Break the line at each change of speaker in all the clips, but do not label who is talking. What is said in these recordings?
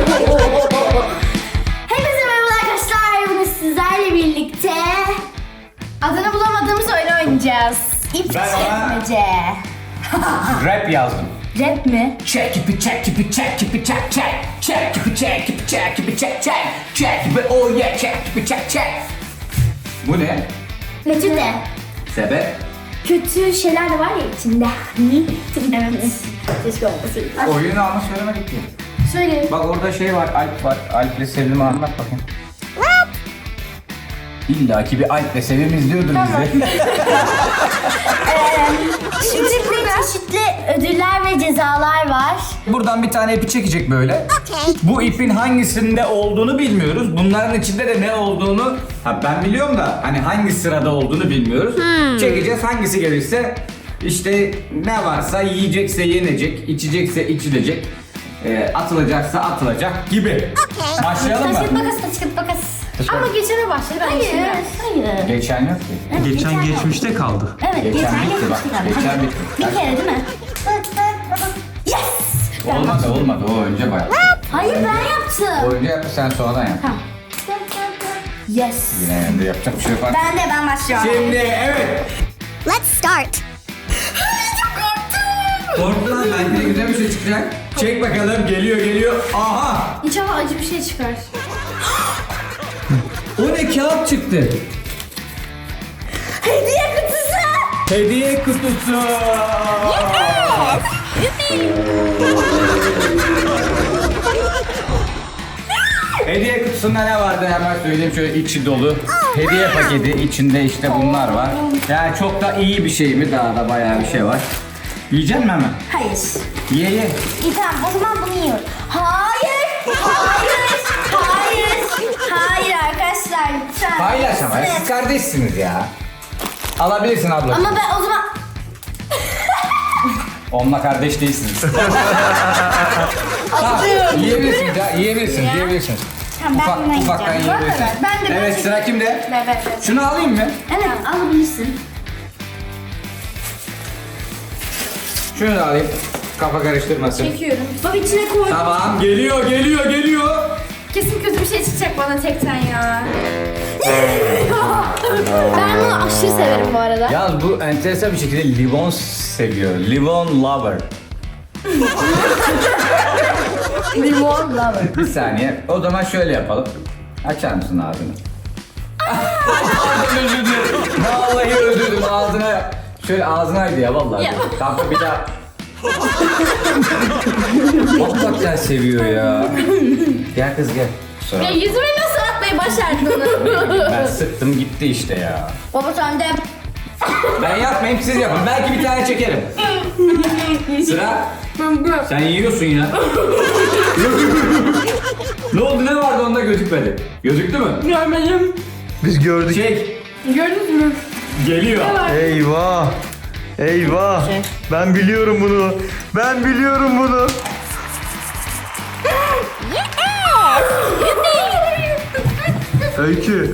Hepinize merhaba arkadaşlar. Bugün sizlerle birlikte adını bulamadığımız oyunu oynayacağız. İp
Ben ona-
çekmece.
Rap yazdım.
Rap mi?
Check it, check it, check it, check check. Check it, check it, check it, check check. Check it, oh yeah, check it, check check. Bu ne?
Kötü de.
Sebep?
Kötü şeyler de var ya içinde. Evet. Keşke olmasaydı.
Oyunu ama söylemedik ki.
Söyle.
Bak orada şey var, Alp var. Alp'le Sevim'i anlat bakayım. İlla ki bir Alp'le Sevim izliyordur bizi.
Şimdi burada çeşitli ödüller ve cezalar var.
Buradan bir tane ipi çekecek böyle. Bu ipin hangisinde olduğunu bilmiyoruz. Bunların içinde de ne olduğunu ben biliyorum da hani hangi sırada olduğunu bilmiyoruz. Çekeceğiz, hangisi gelirse işte ne varsa yiyecekse yenecek, içecekse içilecek, atılacaksa atılacak gibi. Başlayalım
Taşıt
mı?
makas, taşıt makas.
Ama geçene başladı.
Hayır.
Geçen yok ki.
Geçen geçmişte kaldı.
Evet,
Geçen
geçen
bitti bak,
geçmişti.
geçen bitti.
Bir kere değil mi? Yes!
Olmadı o önce bayağı.
Hayır ben yaptım.
O önce yaptı, sen sonradan yap.
Tamam. Yes.
Yine de yapacak bir şey yok.
Ben başlıyorum.
Şimdi evet.
Let's start.
Korkma, bence güzel bir şey çıkacak. Çek bakalım, geliyor. Aha!
İnşallah acı bir şey çıkar.
O ne, kağıt çıktı.
Hediye kutusu.
Hediye kutusu. Hediye kutusunda ne vardı hemen söyleyeyim, şöyle içi dolu. Hediye paketi, içinde işte bunlar var. Yani çok da iyi bir şey mi? Daha da bayağı bir şey var. Yiyecek misin hemen?
Hayır.
Ye.
İyi tamam o zaman bunu yiyorum. Hayır arkadaşlar lütfen.
Paylaş ama, siz kardeşsiniz ya. Alabilirsin abla.
Ama ben o zaman...
Onunla kardeş değilsiniz. Tamam, yiyebilirsiniz.
Tamam, ben bunu
Ufaktan
yiyeceğim.
yiyebilirsiniz.
Ben de
Evet, sıra kimde?
Evet.
Şunu alayım mı?
Evet alabilirsin.
Şunu da alayım. Kafa karıştırmasın.
Çekiyorum.
Bak içine koy.
Tamam, geliyor.
Kesin kötü bir şey çıkacak bana tekten ya. Ben bunu aşırı severim bu arada.
Yalnız bu enteresan bir şekilde limon seviyor. Limon lover.
Limon lover.
Bir saniye. O zaman şöyle yapalım. Açar mısın ağzını? Özür dilerim. Vallahi özür dilerim. Ağzına. Şöyle ağzınaydı ya vallahi.
Ya.
Tamam bir daha. Hakikaten seviyor ya. Gel kız gel. Kusura
Ya
bakma.
yüzüme nasıl atmayı başardın onu?
Ben sıktım gitti işte ya.
Baba sen de.
Ben yapmayayım, siz yapın. Belki bir tane çekerim. Sıra. Sen yiyorsun ya. Ne oldu, ne vardı onda gözükmedi? Gözüktü mü?
Görmedim.
Biz gördük.
Çek.
Gördünüz mü?
Geliyor.
Eyvah. Eyvah. Ben biliyorum bunu. Öykü.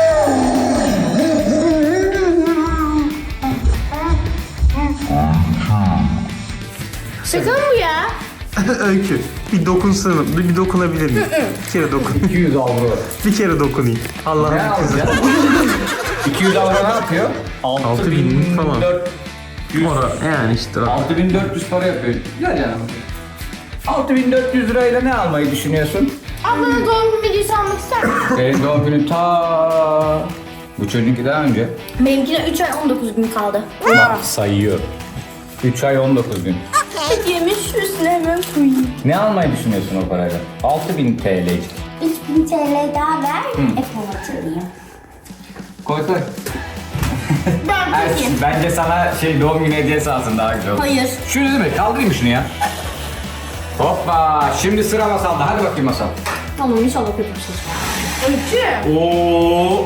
Şaka mı bu ya?
Öykü. Bir dokunsana. Bir dokunabilir miyim? Bir kere dokun.
200 avro.
Bir kere dokunayım.
Ne
Allah'ın izniyle.
alacağız? 200 avro ne yapıyor?
6000 falan.
6400.
Ora yani işte.
6400 para yapıyor. Güzel yani. 6400 lirayla ne almayı düşünüyorsun?
Ablanın doğum günü videosu almak ister misin?
Senin doğum günün bu çocuğunki daha önce.
Benimkine 3 ay 19 gün kaldı.
Bak sayıyor. 3 ay 19 gün.
Yemiş üstüne hemen koyayım.
Ne almayı düşünüyorsun o parayla? 6000 TL.
3000 TL daha ver. Apple hatırlayayım.
Koy.
Ben koyayım.
Bence sana doğum günü hediyesi alsın, daha güzel olur.
Hayır.
Şunu değil mi? Kaldırayım şunu ya. Hoppa! Şimdi sıra Masal'da. Hadi bakayım Masal.
Tamam inşallah kötü bir şey çıkar.
Öykü.
Oo!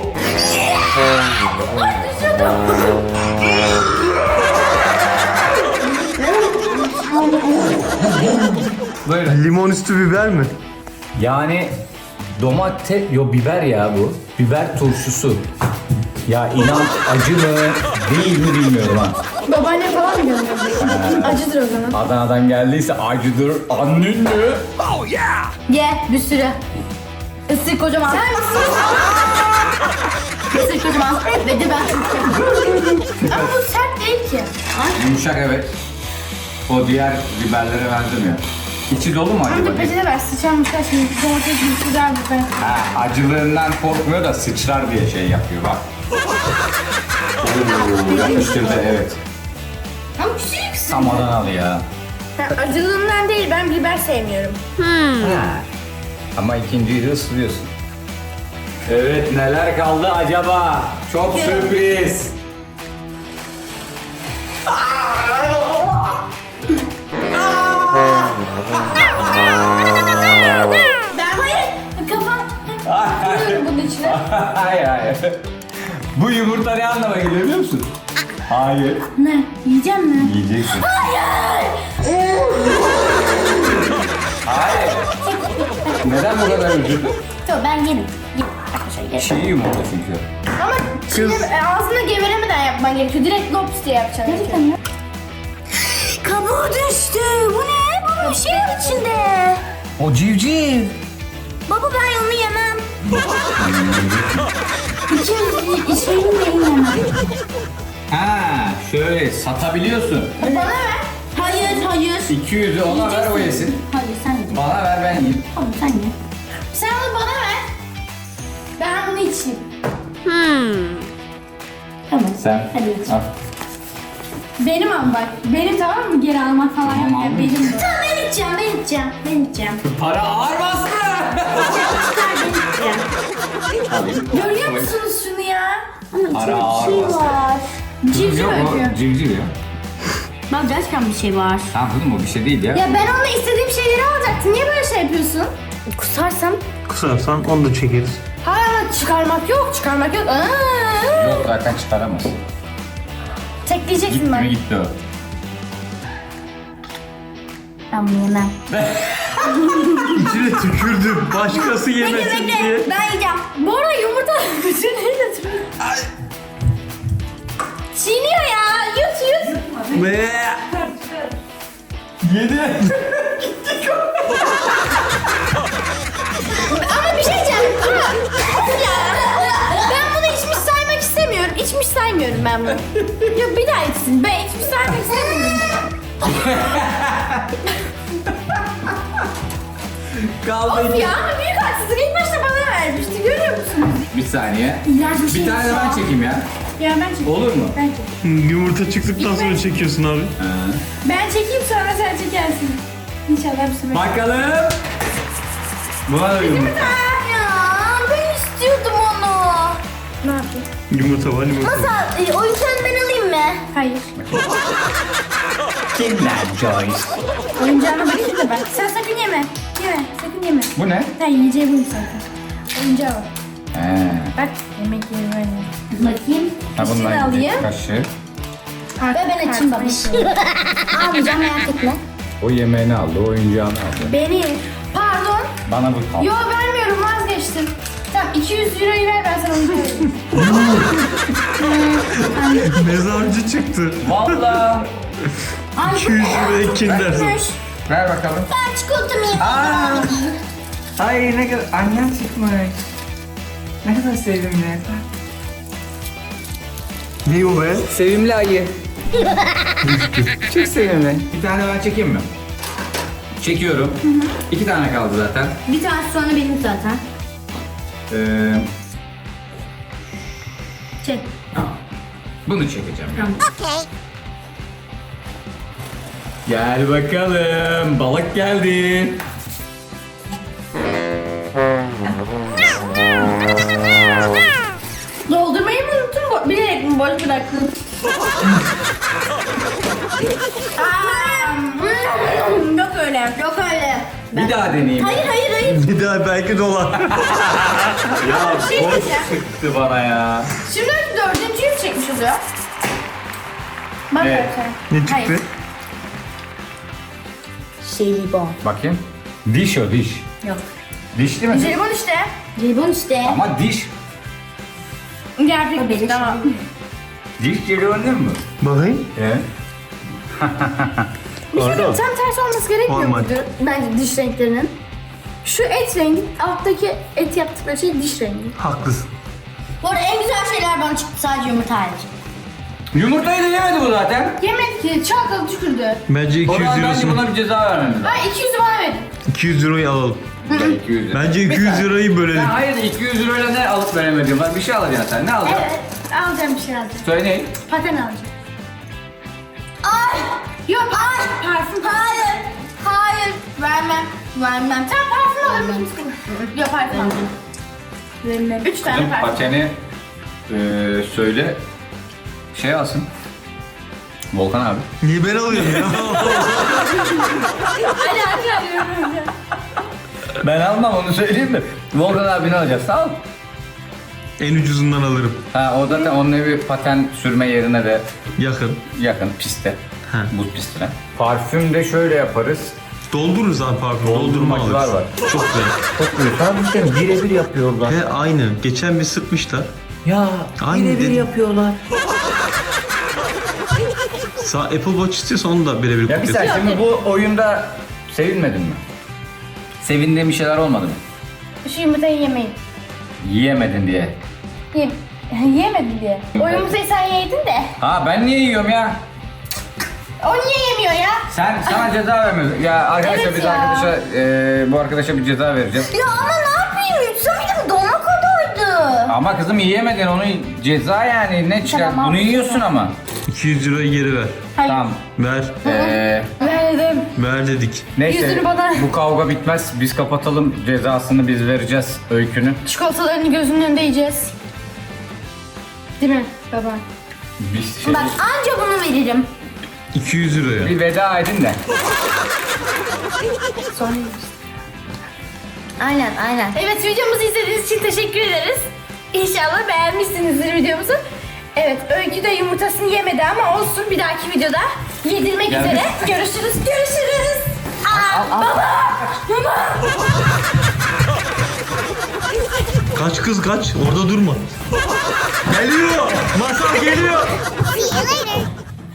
Böyle.
Limon üstü biber mi?
Yani biber ya bu. Biber turşusu. Ya inan acı mı değil mi bilmiyorum ha.
Babaanne falan mı Acıdır o zaman.
Adana'dan geldiyse acıdır. Annen mi?
Ye bir sürü. Isır kocaman. Isır kocaman. Ve de ben.
Ama bu sert değil ki.
Yumuşak evet. O diğer biberlere benzemiyor. İçi dolu mu
Ama
acaba?
bir peçete ver. Sıçanmışlar şimdi. Domates gibi güzel bir ben.
Ha, acılığından korkmuyor da sıçrar diye şey yapıyor bak. Oo, yapıştırdı evet.
Ama küçücüksün.
Tam Adanalı ya.
Acılığından değil, ben biber sevmiyorum.
Ama ikinciyi de ısırıyorsun. Evet neler kaldı acaba? Çok sürpriz.
Ben hayır. Kafam. Koyuyorum bunun içine.
Hayır hayır. Bu yumurta ne anlama geliyor biliyor musun? Hayır.
Ne? Yiyeceğim mi?
Yiyeceksin. Hayır. Neden bu kadar üzüldün?
Tamam ben yerim. Arkadaşlar yerim.
Çiğ yumurta çünkü.
Ama şimdi ağzına gevelemeden yapman gerekiyor. Direkt lops diye yapacaksın.
Gerçekten ya. Kabuğu düştü. Bu ne? Baba bir şey var içinde.
O civciv.
Baba ben onu yemem. İçerim ben yemem.
Ha, şöyle satabiliyorsun.
Bana ver.
Hayır hayır.
200'ü ona ver o yesin.
Hayır sen ye.
Bana ver ben yiyeyim.
Tamam sen ye.
Sen onu bana ver. Ben bunu içeyim.
Tamam.
Sen.
Hadi iç.
Al.
Benim ama bak. Benim tamam mı? Geri almak falan
Tamam,
yok.
aldım.
Benim bu.
Tamam ben içeceğim ben içeceğim. Ben içeceğim.
Para ağır bastı.
Çıkar ben içeceğim.
Alayım.
Görüyor musunuz şunu ya?
Ama içinde
Ara
bir şey
ağır bastı.
var.
Civciv
Yok
öpüyor.
o civciv ya.
Bak gerçekten bir şey var.
Tamam kızım o bir şey değil ya.
Ya ben onunla istediğim şeyleri alacaktım. Niye böyle şey yapıyorsun?
Kusarsam
Kusarsan onu da çekeriz.
Hayır ama çıkarmak yok. Çıkarmak yok.
Yok zaten çıkaramaz.
Tekleyeceksin
Gitti mi
ben.
gitti o.
ben bunu yemem.
İçine tükürdüm. Başkası yemesin diye.
Ben yiyeceğim. Bu arada yumurta bütün elle duruyor. Çiğniyor ya. Yut yut.
Ve
Yedi.
Ama bir şey diyeceğim. Ya. Ben bunu içmiş saymak istemiyorum. İçmiş saymıyorum ben bunu. Yok bir daha içsin. Ben içmiş saymak istemiyorum.
Kaldı
Of ya ama büyük haksızlık. İlk başta bana vermişti. Görüyor musunuz?
Bir saniye.
İğrenç bir şey.
Bir tane de ben çekeyim ya.
Ya ben çekeyim.
Olur mu?
Ben çekeyim.
yumurta çıktıktan sonra çekiyorsun abi.
Ben çekeyim sonra sen çekersin. İnşallah bir sefer.
Bakalım. Buna da yumurta.
Ya ben istiyordum onu.
Ne yapayım?
Yumurta var yumurta.
Nasıl? Oyuncağını ben alayım mı?
Hayır.
Kinder Joyce.
Oyuncağına bakayım da ben. Sen sakın yeme. Yeme. Sakın yeme.
Bu ne?
Sen yiyeceği buyum zaten. Oyuncağı var.
He.
Bak yemek yeri var ya.
Bakayım.
Ha
Kaşığı
bundan
alayım.
yiyecek kaşık.
Ve ben açayım babiş. Almayacağım merak etme.
O yemeğini aldı, oyuncağını aldı.
Beni. Pardon.
Bana bu kaldı.
Yo vermiyorum vazgeçtim. Tamam 200 euroyu ver ben sana oyuncağı vereyim.
Mezarcı çıktı.
Valla.
200 liraya kindersin.
Ver bakalım.
Ben çikolatamı yiyeyim.
Aa. Ay ne kadar annen çıkmış. Ne kadar sevimli.
Ne o be?
Sevimli ayı. Çok sevimli. Bir tane ben çekeyim mi? Çekiyorum. 2 tane kaldı zaten.
Bir tanesi sonra benim zaten.
Çek.
Bunu çekeceğim. Gel bakalım. Balık geldi.
Doldurmayı mı unuttun? Bilerek mi boş bıraktın? Yok öyle. Yok öyle.
Bir daha deneyeyim.
Hayır hayır hayır.
Bir daha belki dolar.
Ya
şey
boş
diyeceğim.
çıktı bana ya.
Şimdi dördüncüyü mü çekmiş oluyor? Bak
Evet.
Ne çıktı?
Hayır.
Jelibon.
Bakayım. Diş o diş.
Yok.
Diş değil mi?
Jelibon işte.
Jelibon işte.
Ama diş.
Gerçek
benim
tamam.
Diş jelibon değil mi?
Bakayım.
Evet.
Orada mı?
Tam tersi olması gerekmiyor
Normal.
muydu? Bence diş renklerinin. Şu et rengi, alttaki et yaptıkları şey diş rengi.
Haklısın.
Bu arada en güzel şeyler bana çıktı, sadece yumurta hariç.
Yumurtayı da yemedi bu zaten.
Yemedi ki, çalkalı tükürdü.
Bence
O
200
zaman bence
lirasını,
buna bir ceza vermemiz lazım.
Ben 200'ü bana verin.
200 lirayı alalım.
200 lira.
Bence 200 lirayı bölelim.
Ya hayır 200 lirayla ne alıp veremediğim var. Bir şey alacaksın sen. Ne alacaksın?
Evet, alacağım bir şey alacağım.
Söyle ne?
Paten alacağım.
Ay!
Yok, parfüm.
Hayır! Hayır! Vermem. Vermem.
Sen parfüm alır mısın? Yok, parfüm alacağım.
Vermem.
3 tane
Kızım
parfüm.
pateni söyle. Şey alsın. Volkan abi.
Niye ben alıyorum ya?
Hadi alıyorum.
Ben almam onu söyleyeyim de. Volkan abi ne alacak? Sağ ol.
En ucuzundan alırım.
Ha o zaten onun evi paten sürme yerine de
Yakın.
yakın piste.
Ha.
Buz pistine. Parfüm de şöyle yaparız.
Doldururuz abi parfüm. Doldurma
Doldurmacılar
alırız.
var.
Çok güzel.
Çok güzel. Kardeşlerim birebir yapıyorlar.
He aynı. Geçen bir sıkmışlar.
Ya
Aynı
birebir
dedim.
yapıyorlar.
Apple Watch istiyorsa onu da birebir
Ya bir
koyuyorsun.
sen şimdi bu oyunda sevinmedin mi? Sevindiğin bir şeyler olmadı mı?
Şu yumurtayı yemeyin.
Yiyemedin diye.
Yiyemedin diye. O yumurtayı sen yedin de.
Ha ben niye yiyorum ya?
O niye yemiyor ya?
Sana ceza vermiyoruz. Ya arkadaşlar
Evet
biz
ya.
arkadaşa bu arkadaşa bir ceza vereceğiz.
Ya ama ne yapayım? Yutsaydım dona kadardı.
Ama kızım yiyemedin onu ceza yani ne çıkar?
Tamam,
Bunu yiyorsun ama.
200 lirayı geri ver.
Hayır.
Tamam.
Ver.
Verdim.
Ver dedik.
Neyse
Yüzünü bana-
bu kavga bitmez. Biz kapatalım cezasını biz vereceğiz öykünü.
Çikolatalarını gözünün önünde yiyeceğiz. Değil mi baba?
Biz şey,
Bak anca bunu veririm.
200 liraya.
bir veda edin de.
Sonra yiyeceğiz.
Aynen.
Evet, videomuzu izlediğiniz için teşekkür ederiz. İnşallah beğenmişsinizdir videomuzu. Evet, Öykü de yumurtasını yemedi ama olsun, bir dahaki videoda yedirmek
Gelmiş.
üzere. Görüşürüz.
Kaç kız kaç. Orada durma. Geliyor. Masal geliyor.
See you later.